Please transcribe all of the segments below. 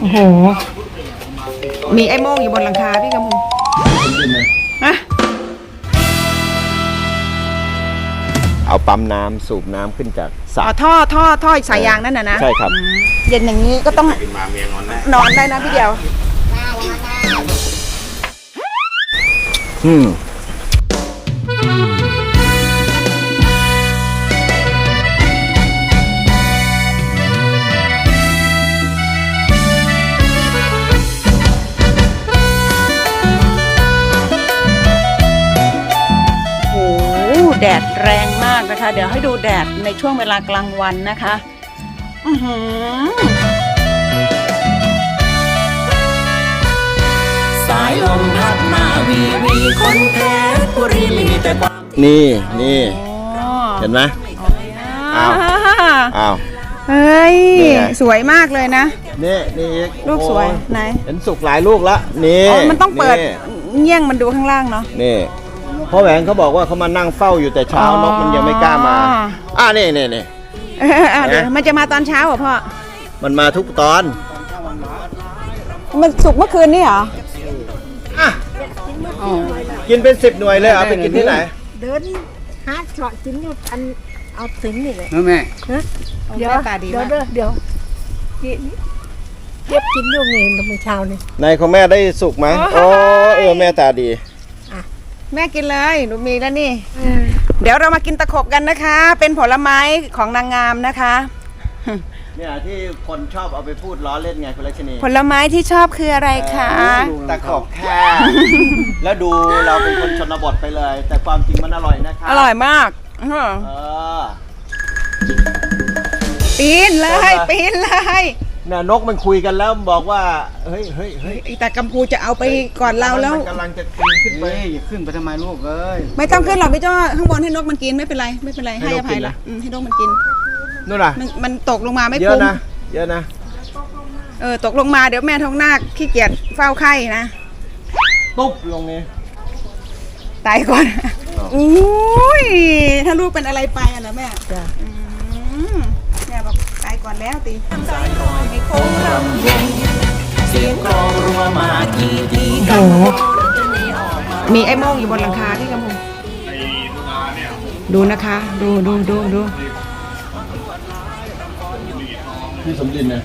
โอ้โหมีไอ้โม่งอยู่บนหลังคาพี่กำพูฮะเอาปั๊มน้ำสูบน้ำขึ้นจากสระท่อสายยางนั่นนะใช่ครับเย็นอย่างนี้ก็ต้องนอนได้นะพี่เดียวแดดแรงมากนะคะเดี๋ยวให้ดูแดดในช่วงเวลากลางวันนะคะสายลมพัดมาวีคนเพชรบุรีมีแต่ความนี่เห็นไหมอ้าวเฮ้ยสวยมากเลยนะนี่ลูกสวยไหนเห็นสุกหลายลูกแล้วนี่มันต้องเปิดเงี้ยงมันดูข้างล่างเนาะนี่พ่อแหวนเขาบอกว่าเขามานั่งเฝ้าอยู่แต่เช้านกมันยังไม่กล้ามานี่เดี๋ยวมันจะมาตอนเช้าเหรอพ่อมันมาทุกตอนมันสุกเมื่อคืนนี่เหรอกินเป็น10 หน่วยเลยเหรอไปกินที่ไหนเดินหาเฉาะจิ้นอยู่อันเอาถึงนี่เลยแม่เดี๋ยวเก็บกินอยู่นี่ตอนเช้านี่ในของแม่ได้สุกไหมแม่ตาดีแม่กินเลยหนูมีแล้วนี่เดี๋ยวเรามากินตะขบกันนะคะเป็นผลไม้ของนางงามนะคะเนี่ยที่คนชอบเอาไปพูดล้อเล่นไงคุณลักษณีผลไม้ที่ชอบคืออะไรคะตะขบแค่แล้วดูเราเป็นคนชนบทไปเลยแต่ความจริงมันอร่อยนะคะอร่อยมากปีนเลยเนี่ยนกมันคุยกันแล้วบอกว่าเฮ้ยแต่กัมพูจะเอาไปก่อนเราแล้วกำลังจะปีนขึ้นไปอย่าขึ้นไปทำไมลูกเอ้ยไม่ต้องขึ้นหรอกพี่จ้อข้างบนให้นกมันกินไม่เป็นไรให้อภัยละให้นกมันกินนู่นน่ะมันตกลงมาไม่คุ้มเยอะนะตกลงมาเดี๋ยวแม่ท้องนาคขี้เกียจเฝ้าไข่นะตุ๊บลงนี่ตายก่อนอุ้ยถ้าลูกเป็นอะไรไปอ่ะนะแม่แม่บอกตายก่อนแล้วตีมีโค้งลำวงเสียงกลองรัวมากี่ทีกันมีไอ้โม่งอยู่บนหลังคาที่กำพูดูนะคะดูพี่สมดินนะ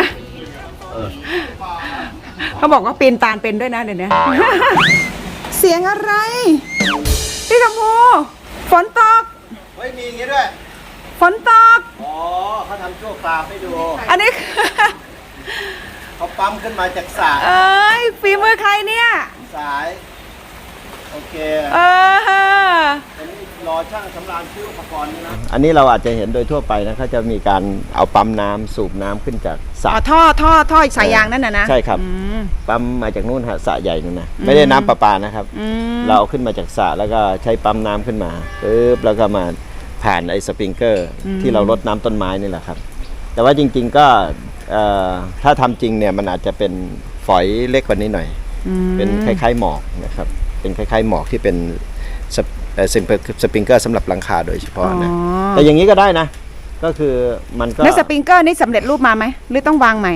เขาบอกว่าปีนตาลเป็นด้วยนะเดี๋ยวนี้เสียงอะไรพี่กำพูฝนตกไม่มีอย่างนี้ด้วยฝนตกเขาทำโชว์ปลาให้ดูอันนี้เขาปั๊มขึ้นมาจากสายฝีมือใครเนี่ยสายโอเครอช่างสำราญซื้ออุปกรณ์นะอันนี้เราอาจจะเห็นโดยทั่วไปนะเขาจะมีการเอาปั๊มน้ำสูบน้ำขึ้นจากสระท่อสายยางนั่นนะใช่ครับปั๊มมาจากนู่นสระใหญ่นู่นนะไม่ได้น้ำประปานะครับเราเอาขึ้นมาจากสระแล้วก็ใช้ปั๊มน้ำขึ้นมาแล้วก็มาผ่านไอ้สปริงเกอร์ที่เรารดน้ำต้นไม้นี่แหละครับแต่ว่าจริงๆก็ถ้าทำจริงเนี่ยมันอาจจะเป็นฝอยเล็กกว่านี้หน่อยเป็นคล้ายๆหมอกนะครับเป็นคล้ายๆหมอกที่เป็นสปริงเกอร์สำหรับหลังคาโดยเฉพาะนะแต่อย่างนี้ก็ได้นะก็คือมันก็แล้วสปริงเกอร์นี่สำเร็จรูปมาไหมหรือต้องวางใหม่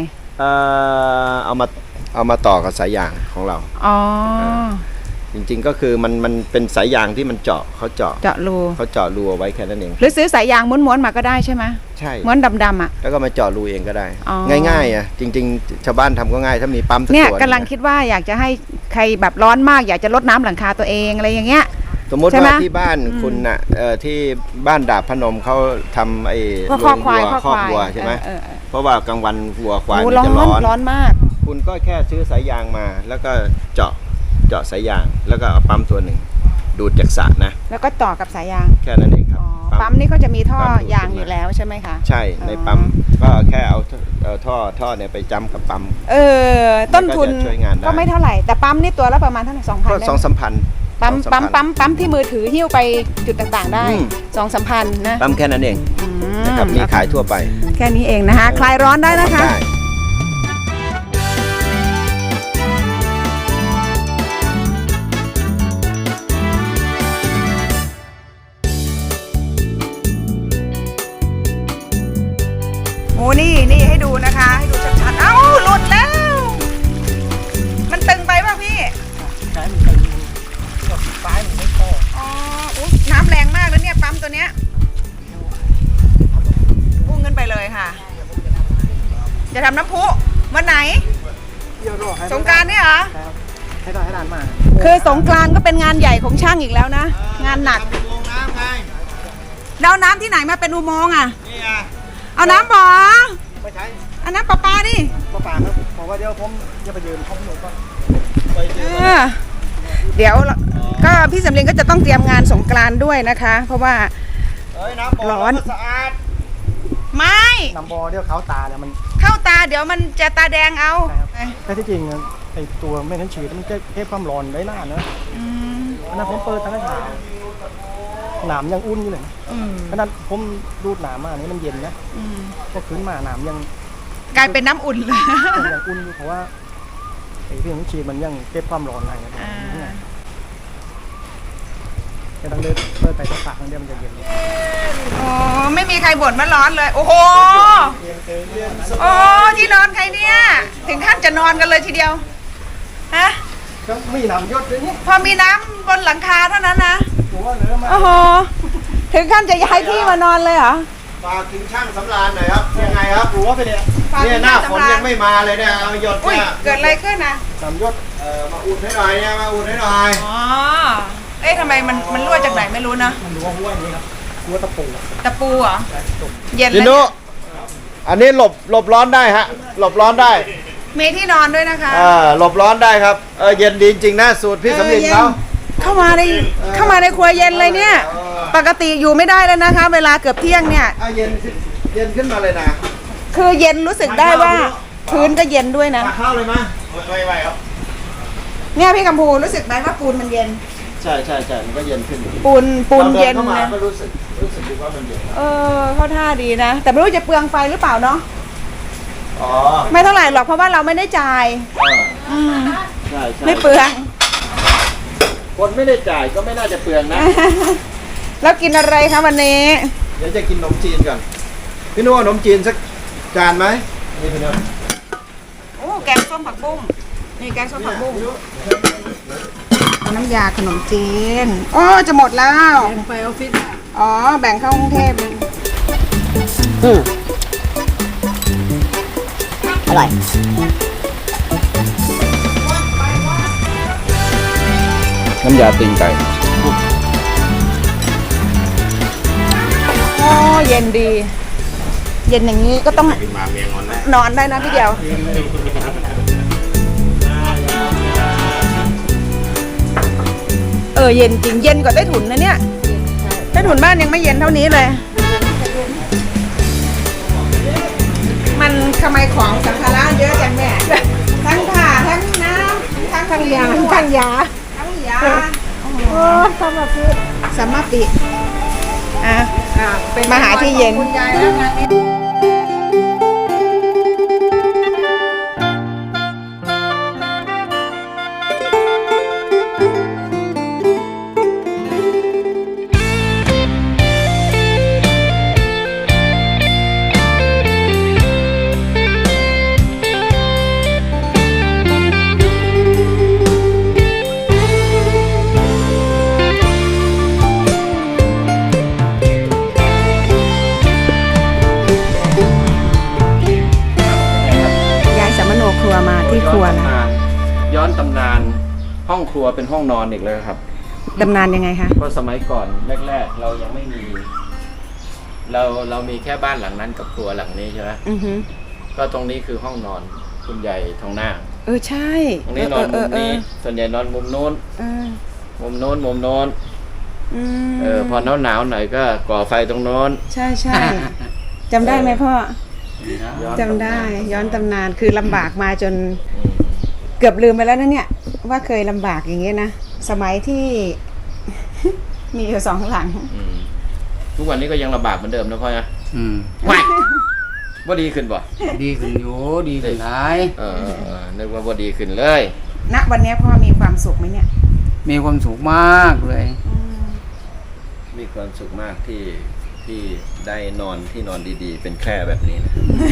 เอามาต่อกับสายยางของเราจริงๆก็คือมันเป็นสายยางที่มันเขาเจาะรูเอาไว้แค่นั้นเองหรือซื้อสายยางม้วนๆมาก็ได้ใช่ไหมใช่ม้วนดำๆแล้วก็มาเจาะรูเองก็ได้ง่ายๆจริงๆชาวบ้านทำก็ง่ายถ้ามีปั๊มเนี่ยกำลังคิดว่าอยากจะให้ใครแบบร้อนมากอยากจะลดน้ำหลังคาตัวเองอะไรอย่างเงี้ยสมมติว่าที่บ้านคุณน่ะที่บ้านดาบพนมเขาทำไอ้คอกวัวใช่ไหมเพราะว่ากลางวันวัวควายมันจะร้อนมากคุณก็แค่ซื้อสายยางมาแล้วก็เจาะสายยางแล้วก็เอาปั๊มตัวหนึ่งดูดจากสระนะแล้วก็ต่อกับสายยางแค่นั้นเองครับปั๊มนี่ก็จะมีท่อยางอยู่แล้วใช่ไหมคะใช่ในปั๊มก็แค่เอาท่อเนี่ยไปจ้ำกับปั๊มต้นทุนก็ไม่เท่าไหร่แต่ปั๊มนี่ตัวละประมาณเท่าไหร่2,000 ก็2-3,000 ปั๊มที่มือถือหิ้วไปจุดต่างๆได้2-3,000นะปั๊มแค่นั้นเองนะครับมีขายทั่วไปแค่นี้เองนะคะคลายร้อนได้นะคะโอ้นี่ให้ดูนะคะให้ดูชัดๆเอ้าหลุดแล้ววันไหนเดี๋ยวรอให้สงกรานต์เนี่ยเหรอครับให้ได้ให้นานมากคือสงกรานต์ก็เป็นงานใหญ่ของช่างอีกแล้วนะ งานหนักแล้วน้ำที่ไหนมาเป็นอุโมงค์อ่ะนี่ไงเอาน้ำบ่อไม่ใช่เอาน้ำประปาดิป้าป่าครับบอกว่าเดี๋ยวผมจะไปยืนห้องหนูก็เดี๋ยวก็พี่สำเร็จก็จะต้องเตรียมงานสงกรานต์ด้วยนะคะ เพราะว่าเฮ้ยน้ำบ่อร้อนสะอาดไม่น้ำบ่อเดี๋ยวเขาตาแล้วมันเข้าตาเดี๋ยวมันจะตาแดงเอาแค่ที่จริงไอ้ตัวแม่น้ำฉีดมันจะเก็บความร้อนได้นานนะอันนั้นผมเปิดตั้งแต่เช้าหนามยังอุ่นอยู่เลยขนาดผมดูดหนามมานี่มันเย็นนะก็ขึ้นมาหนามยังกลายเป็นน้ำอุ่นเลยยังอุ่นอยู่เพราะว่าไอ้ที่น้ำฉีดมันยังเก็บความร้อนอะไรนะจะต้องเดินเปิดไปสักพักนึงเดี๋ยวมันจะเย็นอ๋อไม่มีใครบ่นว่าร้อนเลย โอ้โหโอ้ที่นอนใครเนี่ยถึงขั้นจะนอนกันเลยทีเดียวฮะก็มีหนามยศด้วยนี่พอมีน้ำบนหลังคาเท่านั้นนะผมว่าเหลือมาโอ้โหถึงขั้นจะย้ายที่มานอนเลยเหรอฝากถึงช่างสำราญหน่อยครับยังไงครับหัวไปเนี่ยเนี่ยหน้าฝนยังไม่มาเลยเนี่ยเอาหยดอุ้ยเนี่ยเกิดอะไรขึ้นนะหนามยศมาอุ่นให้หน่อยเนี่ยมาอุ่นให้หน่อยอ๋อเอ๊ะทำไมมันรั่วจากไหนไม่รู้นะมันรู้ว่าหัวอย่างนี้ครับหัวตะปูตะปูเหรอเย็นพี่แล้วนุเนี่ยอันนี้หลบร้อนได้ฮะหลบร้อนได้มีที่นอนด้วยนะคะหลบร้อนได้ครับเย็นดีจริงๆนะสูตรพี่สำลินเขาเข้ามาในครัวเย็นเลยเนี่ย ปกติอยู่ไม่ได้แล้วนะคะ เวลาเกือบเที่ยงเนี่ยเย็นขึ้นมาเลยนะคือเย็นรู้สึกได้ว่าพื้นก็เย็นด้วยนะตักข้าวเลยมั้ยไม่ไหวครับเนี่ยพี่กัมพูรู้สึกไหมว่าปูนมันเย็นใช่มันก็เย็นขึ้นปูนเย็นราดิเข้ามานะก็รู้สึกดีว่ามันเย็นเข้าท่าดีนะ แต่ไม่รู้จะเปลืองไฟหรือเปล่าเนาะอ๋อไม่เท่าไหร่หรอกเพราะว่าเราไม่ได้จ่ายใช่ไม่เปลืองคนไม่ได้จ่ายก็ไม่น่าจะเปลืองนะแล้วกินอะไรคะวันนี้เดี๋ยวจะกินขนมจีนก่อนพี่นุ่มขนมจีนสักจานไหมนี่พี่นุ่มโอ้แกงส้มผักบุ้งนี่แกงส้มผักบุ้งเอาน้ำยาขนมจีนโอ้จะหมดแล้วแบ่งไปออฟฟิศอ๋อแบ่งเข้ากรุงเทพอร่อยน้ำยาตีนไก่โอ้เย็นดี เย็นอย่างนี้ก็ต้องนอนได้นะพี่เดียวเย็นจริงเย็นกว่าใต้ถุนนะเนี่ยใต้ถุนบ้านยังไม่เย็นเท่านี้เลย มันทำไมของสัมภาระเยอะจังแม่ทั้งผ้าทั้งน้ำทั้งยาทั้งยาโอ้สมปิสมปิเป็นมาหาที่เย็นครัวมาที่ครัวนะย้อนตำนานห้องครัวเป็นห้องนอนอีกเลยครับดำนานยังไงคะเพราะสมัยก่อนแรกๆเรายังไม่มี เรามีแค่บ้านหลังนั้นกับครัวหลังนี้ใช่ไหมอือฮึก็ตรงนี้คือห้องนอนคุณใหญ่ทองหน้าใช่ตรงนี้นอนมุมนี้ส่วนใหญ่นอนมุมโน้นมุมโน้นพอหนาวหน่อยก็ก่อไฟตรงโน้นใช่จำได้ไหมพ่อจำได้ย้อนตำนานคือลำบากมาจนเกือบลืมไปแล้วนะเนี่ยว่าเคยลำบากอย่างเงี้ยนะสมัยที่ มีอยู่2 หลังทุกวันนี้ก็ยังลำบากเหมือนเดิมนะพ่อนะไม่ว่าดีขึ้นป่ะดีขึ้นอยู่ดีขึ้นหลายนึกว่าดีขึ้นเลยณวันนี้พ่อมีความสุขไหมเนี่ยมีความสุขมากเลยมีความสุขมากที่ได้นอนที่นอนดีๆ เป็นแคร่แบบนี้นะ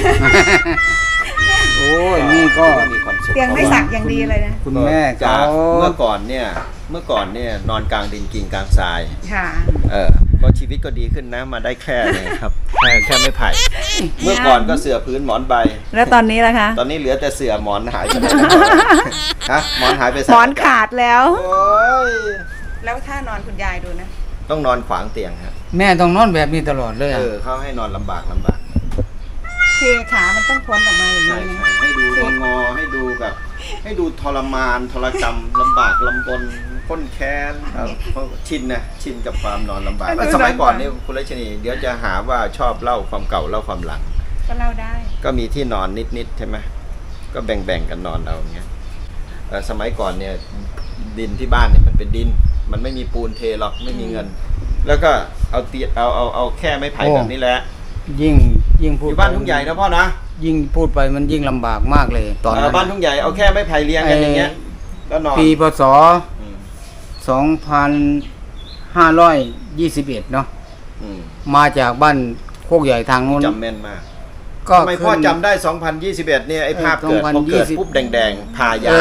โอ้ยนี่ก็มีความสุขเตียงไม่สักอย่างดีเลยนะคุณแม่จากเขาเมื่อก่อนเนี่ยนอนกลางดินกินกลางทรายค่ะก็ชีวิตก็ดีขึ้นนะมาได้แค่เนี่ยครับแค่ไม่ไผ่ เมื่อก่อนก็เสื่อพื้นหมอนใบแล้วตอนนี้ล่ะคะตอนนี้เหลือแต่เสื่อหมอนหายไปไหนฮะหมอนหายไปหมอนขาดแล้วโอ้ยแล้วถ้านอนคุณยายดูนะต้องนอนขวางเตียงครับแม่ต้องนอนแบบนี้ตลอดเลยอะเขาให้นอนลำบากคือขามันต้องพ้นออกมาอย่างใช่นี้ใช่นะให้ดูงอให้ดูแบบให้ดูทรมานทรกรรมลำบากลำบนข้นแค้นครับเพราะชินกับความนอนลำบากสมัยก่อนนี่คุณรัชนีเดี๋ยวจะหาว่าชอบเล่าความเก่าเล่าความหลังก็เล่าได้ก็มีที่นอนนิดๆใช่ไหมก็แบ่งกันนอนเอาอย่างเงี้ยสมัยก่อนเนี่ยดินที่บ้านเนี่ยมันเป็นดิน มันไม่มีปูนเทหรอกไม่มีเงิน แล้วก็เอาเตียเอาแค่ไม้ไผ่แบบนี้แหละยิ่งพูอดยู่บ้านทุ่งใหญ่นะพ่อนะยิ่งพูดไปมันยิ่งลำบากมากเลยตอนนั้นบ้านทุ่งใหญ่เอาแค่ไม้ไผ่เรียงกันอย่างเงี้ยแล้วนอนปีพศอืม 2521 เนาะอืมมาจากบ้านโคกใหญ่ทางโน้นจำแม่นมากก็ทำไมพ่อจำได้ 2021 เนี่ยไอ้ภาพเกิดพอเกิดปุ๊บแดงๆพายา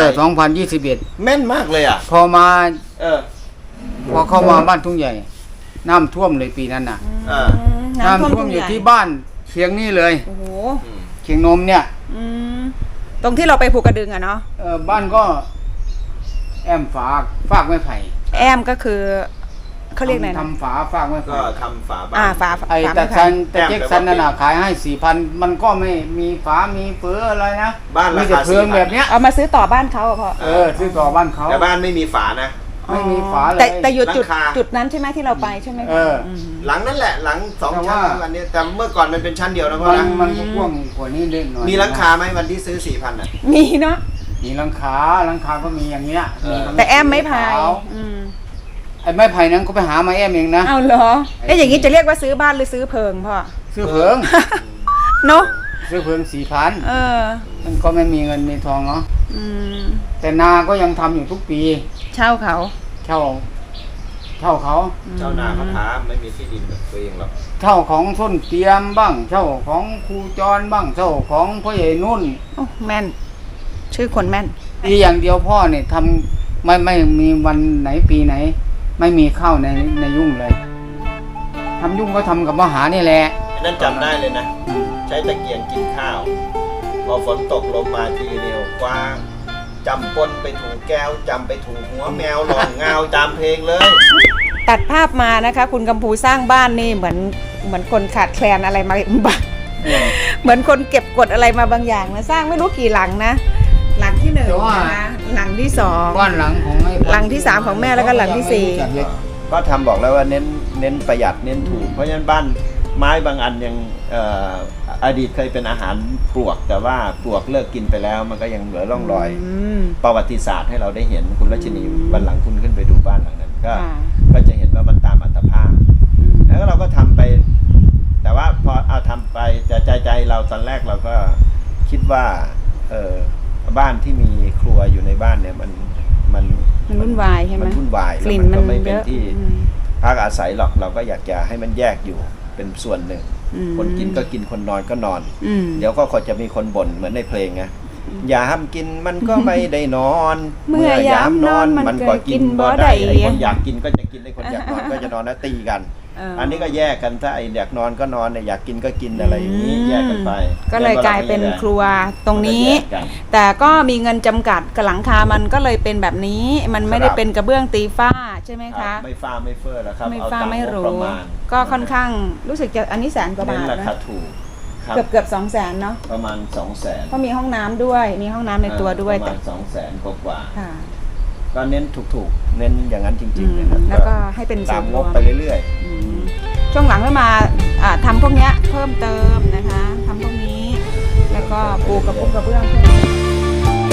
2021 แม่นมากเลยอ่ะพอมาเออพอเข้ามาบ้านทุ่งใหญ่ น้ำท่วมเลยปีนั้นน่ะเออน้ำท่วมอยู่ที่บ้านเชียงนี่เลยโอ้โหเชียงนมเนี่ยอืมตรงที่เราไปภูกระดึงอะเนาะบ้านก็แอมฝากไม้ไผ่แอมก็คือเขาเรียกอะไรนะทำฝากไม้ก็ไผ่ทำฝาบ้าฝานไอ้ฝาแต่ไม้ซัไผ่นแต่เจ๊กซันนั่นน่ะขายให้ 4,000 มันก็ไม่มีฝามีเฟืออะไรนะบ้านมีราแต่คาเพืองแบบเนี้ยเอามาซื้อต่อบ้านเขาอะพ่อซื้อต่อบ้านเขาแต่บ้านไม่มีฝานะไม่มีฝาเลยแต่อยู่จุดหลังคาจุดนั้นใช่ไหมที่เราไปใช่ไหมเออหลังนั่นแหละหลังสองแต่ชั้นว่าอันนี้แต่เมื่อก่อนมันเป็นชั้นเดียวนะพ่อมันนะมันก็กว้างกว่านี้เล็กหน่อยมีหลังคาไหมวันที่ซื้อ 4,000อ่ะมีเนาะมีหลังคาก็มีอย่างเงี้ยแต่แอมไม่พายขวอืมไอ้ไม้ไผ่นั้นก็ไปหามาแอมเองนะเอาเหรอเอ๊ะอย่างนี้จะเรียกว่าซื้อบ้านหรือซื้อเพิงพ่อซื้อเพิงเนาะซื้อเพิง 4,000 เออมันก็ไม่มีเงินมีทองเนาะอืมแต่นาก็ยังทำอยู่ทุกปีเช่าเขาเช่าเขาเจ้านาเขาท้าไม่มีที่ดินแบบตัวเองหรอกเช่าของส้นเตรียมบ้าง เช่าของครูจรบ้าง เช่าของพ่อใหญ่นุ่นโอ้แม่น ชื่อคนแม่นอีอย่างเดียวพ่อเนี่ยทำไม่มีวันไหนปีไหน ไม่มีข้าวในยุ่งเลยทำยุ่งก็ทำกับมหานี่แหละนั่นจำได้เลยนะ ใช้ตะเกียงกินข้าว พอฝนตกลงมาทีเดียวกว้างจำปนไปถูกแก้วจำไปถูกหัวแมวหลองเงาตามเพลงเลยตัดภาพมานะคะ คุณกำพูสร้างบ้านนี่เหมือนคนขาดแคลนอะไรมาบางเหมือนคนเก็บกดอะไรมาบางอย่างนะสร้างไม่รู้กี่หลังนะ หลังที่หนึ่งแต่ว่านะคะหลังที่สองบ้านหลังของไอ้หลังที่สามของแม่แล้วก็หลังที่สี่ก็ทำบอกแล้วว่าเน้นประหยัดเน้นถูก เพราะฉะนั้นบ้านไม้บางอันยังอดีตเคยเป็นอาหารปลวก แต่ว่าปลวกเลิกกินไปแล้วมันก็ยังเหลือร่องรอยมประวัติศาสตร์ให้เราได้เห็นคุณรัชนีวันหลังคุณขึ้นไปดูบ้านหลังนั้นก็ค่ะก็จะเห็นว่ามันตามอัตภาพ แล้วเราก็ทำไป แต่ว่าพอเอาทำไปใจเราตอนแรกเราก็คิดว่าบ้านที่มีครัวอยู่ในบ้านเนี่ยมันมันวุ่นวายใช่ไหมมันวุ่นวายกลิ่นแล้วมันก็ไม่มันเป็นเยอะที่อืมพักอาศัยหรอกเราก็อยากจะให้มันแยกอยู่เป็นส่วนหนึ่งอืมคนกินก็กินคนนอนก็นอนอืมเดี๋ยวก็จะมีคนบ่นเหมือนในเพลงไงยามกินมันก็ไม่ได้นอนเมื่อยามนอนมันก็กินบ่ได้ไอ้คนอยากกินก็จะกินไอ้คนอยากนอนก็จะนอนแล้วตีกัน อันนี้ก็แยกกันถ้าไอ้อยากนอนก็นอนอยากกินก็กินอะไรอย่างนี้แยกกันไปก็เลยกลายเป็นครัวตรงนี้แยกกันแต่ก็มีเงินจำกัดกับหลังคามันก็เลยเป็นแบบนี้ มันไม่ได้เป็นกระเบื้องตีฝ้าใช่ไหมครัคะบไม่ฟ้าไม่เฟ้อแล้วครับไม่เอาฟ้าตามไม่งบรู้ประมาณก็ค่อนข้างรู้สึกจะอันนี้100,000 กว่าเน้บาน ทรานะคาถูกครับเกือบ200,000เนาะประมาณ 200,000 เพราะมีห้องน้ำด้วยมีห้องน้ำในตัวด้วยประแต่มาณ200,000กว่าค่ะๆก็เน้นถูกๆเน้นอย่างนั้นจริงๆนะครับแล้วก็ให้เป็นตามส่วนงรวบมไปเรื่อยอืมช่วงหลังก็มาทำพวกเนี้ยเพิ่มเติมนะคะทำพวกนี้ แล้วก็ปูกระปุกกระเบื้องเพิ่ม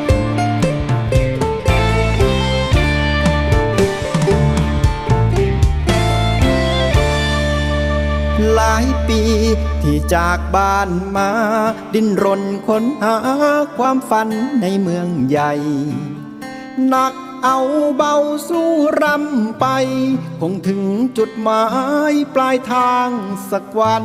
หลายปีที่จากบ้านมา ดิ้นรนค้นหาความฝันในเมืองใหญ่หนักเอาเบาสู้รำไป คงถึงจุดหมายปลายทางสักวัน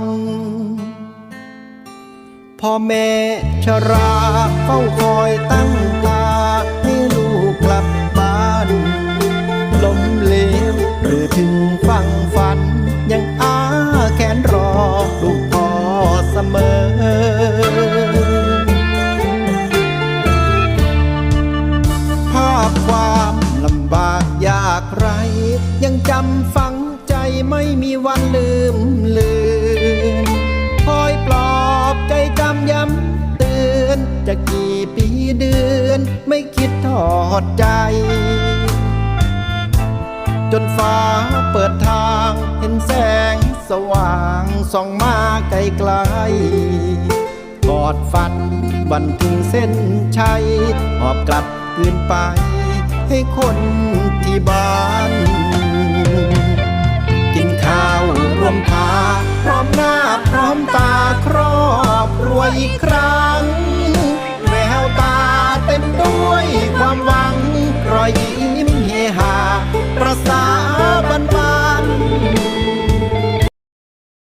พ่อแม่ชราเฝ้าคอยตั้งตาให้ลูกกลับบ้านล้มเหลวหรือถึงฝั่งฝันปีเดือนไม่คิดทอดใจ จนฟ้าเปิดทางเห็นแสงสว่างส่องมาไกลไกลกอดฝันวันถึงเส้นชัยหอบกลับคืนไปให้คนที่บ้าน กินข้าวรวมพาพร้อมหน้าพร้อมตาครอบครัวอีกครั้งแววตาเต็มด้วยความหวังรอยยิ้ม